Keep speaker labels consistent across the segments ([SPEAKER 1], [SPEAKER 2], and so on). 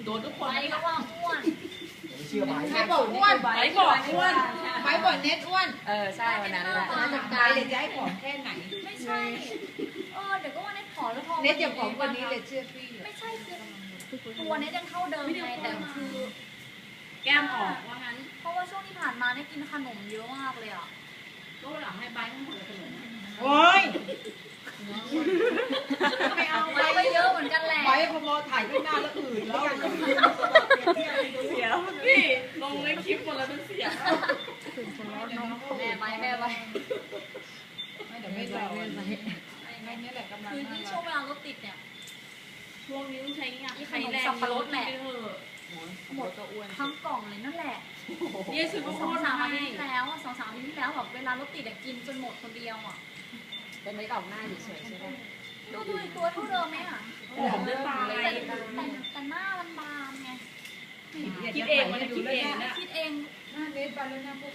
[SPEAKER 1] โดนทุกคน
[SPEAKER 2] ไปก็ว่าอ้วน
[SPEAKER 3] ไม่เชื่อไหม
[SPEAKER 4] ใครบอกอ้วน
[SPEAKER 1] ไปบอกอ้วน
[SPEAKER 4] ไปบอกเน็ตอ้วน
[SPEAKER 2] ใช่วันนั้นแหละ
[SPEAKER 4] มาจากใจเลยจะให้ผอมแค่ไหน
[SPEAKER 2] ไม่ใช่เดี๋ยวก็ว่าเน็ตผอมแล้วพอ
[SPEAKER 4] เน็ตอย่าผอมกว่านี้เลยเชื่อพี่
[SPEAKER 2] ไม่ใช่คือตัวเน็ตยังเท่าเดิมไงแต่คือ
[SPEAKER 1] แก้มออกว่างั้น
[SPEAKER 2] เพราะว่าช่วงที่ผ่านมาได้กินขนมเยอะมากเลยอ่ะ
[SPEAKER 1] ก็หลังให้ใบทั้งหมดเลยขนม
[SPEAKER 4] โอ้ย
[SPEAKER 2] ไม่เอาไปเยอะเหมือนกันแหละ
[SPEAKER 4] ไปพอมอถ่ายขึ้นหน้าแล้วอื่นแล้ว
[SPEAKER 1] เสียนี่ลงในคลิปหมดแล้วเป็นเสีย
[SPEAKER 2] แม่ไปแม่ไป
[SPEAKER 4] ไม่เดี๋ยวไม่รอไม่นี่แหละกำลัง
[SPEAKER 2] คือที่ช่วงเวลารถติดเนี่ย
[SPEAKER 1] ช่วงนี้ต้องใช้งาน
[SPEAKER 2] ขนมสับปะรดแหละ
[SPEAKER 1] หมดก็อ้วน
[SPEAKER 2] ทั้งกล่องเลยนั่นแหละ
[SPEAKER 1] นี่ซื้อข้าวโพด
[SPEAKER 2] 2-3
[SPEAKER 1] มา
[SPEAKER 2] อา
[SPEAKER 1] ให้
[SPEAKER 2] ทิตย์ที่แล้ว2-3 อาทิตย์ที่แล้วแบบเวลารถติดกินจนหมดคนเดียวอ่ะ
[SPEAKER 5] เป็นไม่ออกหน้าเฉยๆใช่ไหม
[SPEAKER 2] ดูอีกตัวเท่าเดิมไหมอ่ะ
[SPEAKER 1] หอมด้วยตา
[SPEAKER 2] แต่หน้ามันบานไง
[SPEAKER 1] คิดเองมันคิดเองนะ
[SPEAKER 2] คิดเอง
[SPEAKER 4] หน้าเน็ตไปแล้วหน้าพวก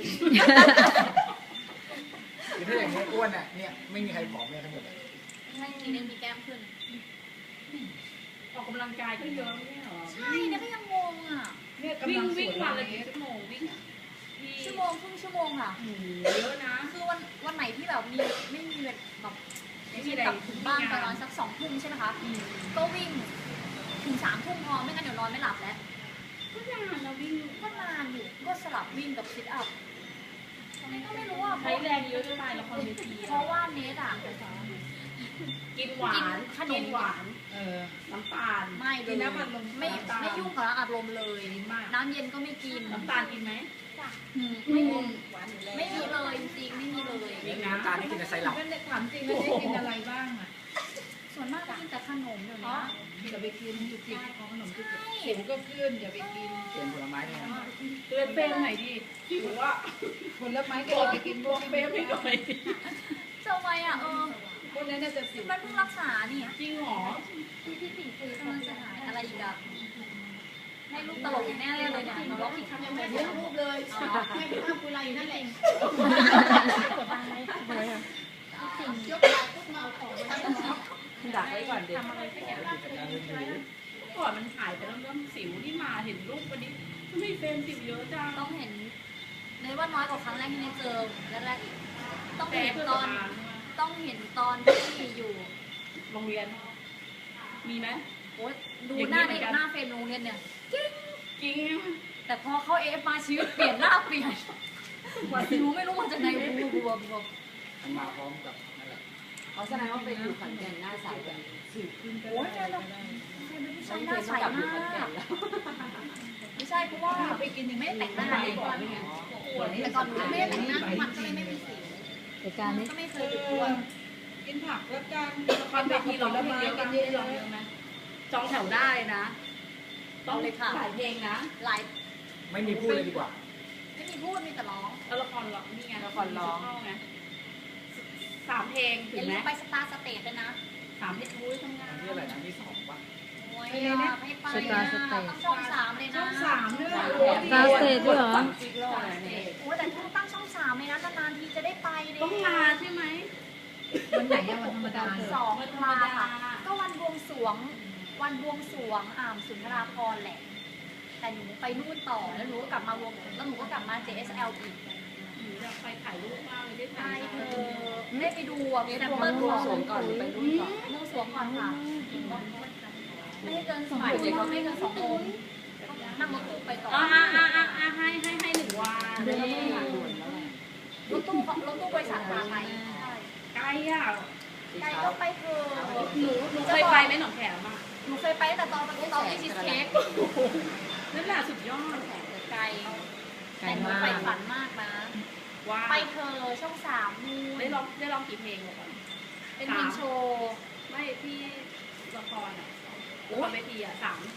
[SPEAKER 3] ถ้าอย่างนี้อ้วนอ่ะเนี่ยไม่มีใครผอมเลยทั้งหมดเลย
[SPEAKER 2] ให้กินเองมีแก้มขึ้น
[SPEAKER 1] ออกกำลังกายก็เยอะไม่ใช่หรอ
[SPEAKER 2] ใช่เนี่ยก็ยังงงอ่ะ
[SPEAKER 4] เนี่ยกำ
[SPEAKER 1] วิ่
[SPEAKER 4] ลั
[SPEAKER 1] ง
[SPEAKER 4] งส
[SPEAKER 1] วิ่ง
[SPEAKER 4] วย
[SPEAKER 1] วัน
[SPEAKER 4] เล
[SPEAKER 1] ละ
[SPEAKER 4] ย
[SPEAKER 1] กี่ชั่วโมงวิ่ง
[SPEAKER 2] ชั่วโมงครึ่งชั่วโมงค่ะ
[SPEAKER 1] เยอะนะ
[SPEAKER 2] คือวันไหนที่แบบไม่มีแบบไม่มีกลับถึงบ้านประมาณสัก2 ทุ่มใช่ไหมคะก็วิ่งถึง3 ทุ่มพอไม่งั้นเดี๋ยวนอนไม่หลับแล้ว
[SPEAKER 1] ก็นานเราวิ่ง
[SPEAKER 2] ก็นานอยู่ก็สลับวิ่งกับซิทอัพทำไมก็ไม่รู้อ่ะ
[SPEAKER 1] ใช้แรงเยอะจะตายละครเวที
[SPEAKER 2] เพราะว่าเนสอ่ะ
[SPEAKER 1] กินหวานกินหวาน น้ำตาล
[SPEAKER 2] ไม่เลยไม่ยุ่งกับอารมณ์เลยน้ำเย็นก็ไม่กิน
[SPEAKER 1] น้ำตาลกินไหม
[SPEAKER 2] ไม่มีไม่มีเลยจริงๆไม่มีเลย
[SPEAKER 3] มีน้ำตาลไม่กินแต่ไซรัป
[SPEAKER 4] นั่นถามจริงแล้วได้กินอะไรบ้างอ่ะ
[SPEAKER 2] ส่วนมากก็กินแต่ขนมเดี๋ยวนี้
[SPEAKER 4] อย่าไปกินจุกจิกของขนมจุกจิกผิวก็ขึ้นอย่าไปกิน
[SPEAKER 3] เปลี่ยนผลไม้เนี่ย
[SPEAKER 1] เตือนเฟรมหน่อยดิพี่บอกว่า
[SPEAKER 4] ผลไม้ก็อย่าไปกินพวก
[SPEAKER 1] เฟรมให้หน่อย
[SPEAKER 2] ทำไมอ่ะ
[SPEAKER 4] พวกนั้นน่าจะสิว
[SPEAKER 2] มันเพิ่งรักษานี่
[SPEAKER 1] จริงหรอ
[SPEAKER 2] กำลังจะหายอะไรอีกอ่ะให้ลูกตลกแน่เลยเนี่ยเราล็อกอีกครั้งยังไม่
[SPEAKER 4] เลี้ยงรูปเลยให้ไปทำกุไรอยู่นั่นแหละ
[SPEAKER 2] กดตังค์ไหมยกพวกเราของไว้
[SPEAKER 5] ดักไว้ก่อนเดี๋ยว
[SPEAKER 1] ทำอะไรสักอย่างก่อนมันหายไปแล้วเริ่มสิวที่มาเห็นรูปวันนี้ทำไมเฟรมสิวเยอะจัง
[SPEAKER 2] ต้องเห็นในว่าน้อยกว่าครั้งแรกที่ได้เจอแรกๆอีกต้อง
[SPEAKER 1] แต่
[SPEAKER 2] เห็น
[SPEAKER 1] เพื่อ
[SPEAKER 2] ตอน
[SPEAKER 1] ตา
[SPEAKER 2] ต้องเห็นตอนที่อยู่
[SPEAKER 1] โรงเรียน มีไหม
[SPEAKER 2] โอ๊ยดูหน้าเด็กหน้าเฟรมโรงเรียนเนี่ยจริง
[SPEAKER 1] จริง
[SPEAKER 2] แต่พอเข้าเอฟมาชีวิตเปลี่ยนหน้าเปลี่ยนสิวไม่รู้มาจากไหนบวม
[SPEAKER 3] มันมาพร้อมกับนั่นแหละ
[SPEAKER 5] เขาแสดงว่าไปอยู่ขอนแก่นหน้าใสกัน
[SPEAKER 2] โอ๊ยแม่เราเป็นผู้ชายหน้าใส
[SPEAKER 5] กลับอ
[SPEAKER 2] มา
[SPEAKER 5] ยู่ขอนแก่
[SPEAKER 2] ก
[SPEAKER 5] นแล้ว
[SPEAKER 2] ไม่ใช่เพราะว่า
[SPEAKER 4] ไปกินยัง
[SPEAKER 2] ไม่
[SPEAKER 4] ไม่
[SPEAKER 2] ได้แต่งหน้าเลยก่อนแต่ก่อนไม่ได้แต่งหน้ามันก็เลยไม่มีสิว
[SPEAKER 5] เหตุการณ์
[SPEAKER 2] มัน
[SPEAKER 5] นี้
[SPEAKER 2] ก็ไม่เคยติดตัว
[SPEAKER 4] กินผักแล้วกัน
[SPEAKER 1] ละครเวทีร้องเพลงเยอะกันเยอะไหมจองแถวได้นะต้องเลยค่ะหลายเพลงนะ
[SPEAKER 2] หลาย
[SPEAKER 3] ไม่มีพูดเลยดีกว่า
[SPEAKER 2] ไม่มีพูดมีแต่ร้อง
[SPEAKER 1] แล้วละครร้องนี่ไงละครร้องไง3 เพลงถึ
[SPEAKER 2] อย่าง
[SPEAKER 1] ไหม
[SPEAKER 2] ลืมไปสตาร์สเตจด้วยนะ
[SPEAKER 1] 3 เพลงอุ้ยทำงาน
[SPEAKER 3] อันนี้อะไรนะที่สองปะ
[SPEAKER 2] โอ้ยไม่ไปนะต้องช่อง3เลยนะ
[SPEAKER 4] ช่อง3ด้วย
[SPEAKER 5] ตาสเตทด้วยเหรอ
[SPEAKER 2] โอ้ยแต่ต้องตั้งช่อง3เลยนะนานๆทีจะได้ไปเลย
[SPEAKER 1] ต้องมาใช่ไหม
[SPEAKER 4] วันไหนอะวันธรรมดา
[SPEAKER 2] 2 ตุลาค่ะก็วันบวงสรวงสุนทราภรณ์แหละ แต่หนูไปนู่นต่อแล้วหนูก็กลับมาวงแล้วหนูก็กลับมา JSL อีก
[SPEAKER 1] หนูอยากไปถ่ายรูปมากเลยได้
[SPEAKER 2] ใช่
[SPEAKER 1] ถ่าย
[SPEAKER 2] เธอได้ไปดูอ่ะ
[SPEAKER 5] เนี่ย
[SPEAKER 2] แซม
[SPEAKER 5] ทำ
[SPEAKER 2] เปิ
[SPEAKER 5] มา
[SPEAKER 2] ล
[SPEAKER 5] ร่ว
[SPEAKER 2] ก่
[SPEAKER 5] ม
[SPEAKER 2] อน
[SPEAKER 5] สวมก่อนหรือไปร่วมก่อน
[SPEAKER 2] เรื่องสวมก่อนค่ะไม่ให้เกิน2 ชั่วโมงไม่เกิน2 โมงนั่งรถตู้ไปต่อ
[SPEAKER 1] ให้1 วัน
[SPEAKER 5] เดือนละไม่หาด่วนแล้วแหละ
[SPEAKER 2] รถตู้บริษัทมาไทยใช่
[SPEAKER 1] ไกลอ่ะ
[SPEAKER 2] ไกลก็ไปเถอะ
[SPEAKER 1] หนูเคยไปไหมหนองแขมอ่ะ
[SPEAKER 2] หนูเคยไปแต่ตอนที่ชีสเค้ก
[SPEAKER 1] นั่นแหละสุดยอด
[SPEAKER 2] ไกลแต่หนูไปฝันมากนะ
[SPEAKER 1] ว่า
[SPEAKER 2] ไปเธอช่อง3นู่น
[SPEAKER 1] ได้ลองกี่เพลงก่อน
[SPEAKER 2] เป็นเพลงโชว์
[SPEAKER 1] ไม่ที่ละครอ่ะละครเวทีอ่ะ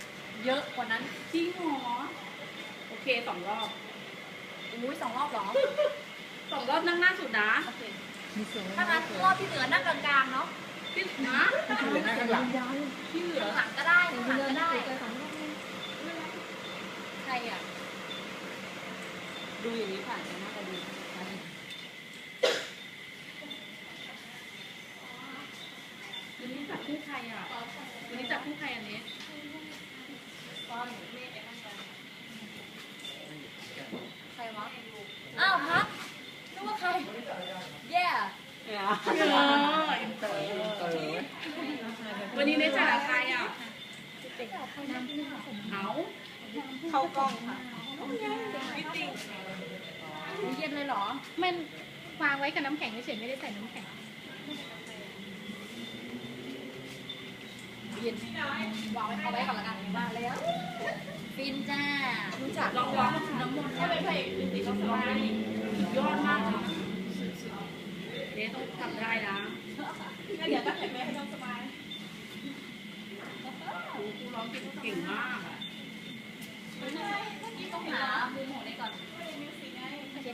[SPEAKER 1] 3
[SPEAKER 2] เยอะกว่านั้น
[SPEAKER 1] จริงเหรอโอเค2 รอบ
[SPEAKER 2] อุ้ย2 รอบเหรอ
[SPEAKER 1] 2 รอบนั่งหน้าสุดนะ
[SPEAKER 2] โอเคถ้างั้นรอบที่เหลือนั่งกลางๆเนาะ
[SPEAKER 1] ที่นะ
[SPEAKER 3] เหลือหน้าข้างหลัง
[SPEAKER 1] ที่เหลือ
[SPEAKER 2] ข้างหลังก็ได้ข้างหลังก็ได้ใครอ่ะ
[SPEAKER 5] ดูอย่างนี้ผ่านจะน่าจะดี
[SPEAKER 1] วันนี้จับคู่ใครอ่ะวันนี้จับคู่ใครอันนี้
[SPEAKER 2] อ๋อใครวะ อ้าวพักนึกว่าใคร แย่
[SPEAKER 1] อินเตอร์วันนี้เนจ่าใครอ่ะเอา
[SPEAKER 5] เข้ากล้องค่ะ
[SPEAKER 2] เย็นเลยเหรอ
[SPEAKER 6] มันวางไว้กับน้ำแข็งเฉยๆไม่ได้ใส่น้ำแข็ง
[SPEAKER 2] เย็นวางไว้เอาไว้ก่อนละกันมาแล้ว ฟินจ้า
[SPEAKER 5] รู้จัก
[SPEAKER 1] ลองร้องกับคุณน้ำมนต์ถ้าเป็นพระเอกจริงๆก็สบายยอดมากเลยนะเนต้องทำได้นะ
[SPEAKER 5] เดี๋ยวต้องเห็นแม่ให้น้องสบาย
[SPEAKER 1] ครูร้องเก่งมากอ่ะ
[SPEAKER 2] ต้องหามุมของนี้ก่อน